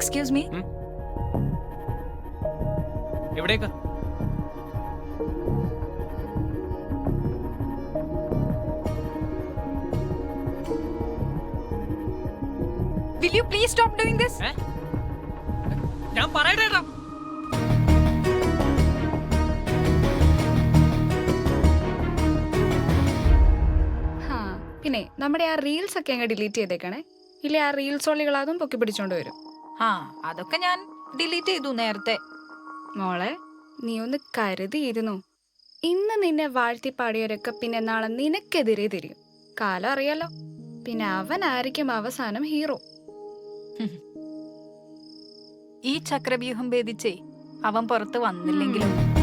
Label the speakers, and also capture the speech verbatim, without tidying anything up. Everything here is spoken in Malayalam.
Speaker 1: Excuse me.
Speaker 2: എവിടേക്ക്?
Speaker 1: Will you please stop doing this?
Speaker 2: ഞാൻ പറയട്ടെ.
Speaker 3: പിന്നെ നമ്മുടെ ആ റീൽസ് ഒക്കെ അങ്ങ് ഡിലീറ്റ് ചെയ്തേക്കണേ, ഇല്ലേ ആ റീൽസ് ഒള്ളികൾ അതും പൊക്കി പിടിച്ചോണ്ട് വരും.
Speaker 1: ആ അതൊക്കെ ഞാൻ ഡിലീറ്റ് ചെയ്തു നേരത്തെ.
Speaker 3: മോളെ നീ ഒന്ന് കരുതിയിരുന്നു. ഇന്ന് നിന്നെ വാഴ്ത്തി പാടിയവരൊക്കെ പിന്നെ നാളെ നിനക്കെതിരെ തിരിയും. കാലം അറിയാലോ. പിന്നെ അവനായിരിക്കും അവസാനം ഹീറോ.
Speaker 1: ഈ ചക്രവ്യൂഹം ഭേദിച്ചേ അവൻ പുറത്ത് വന്നില്ലെങ്കിലും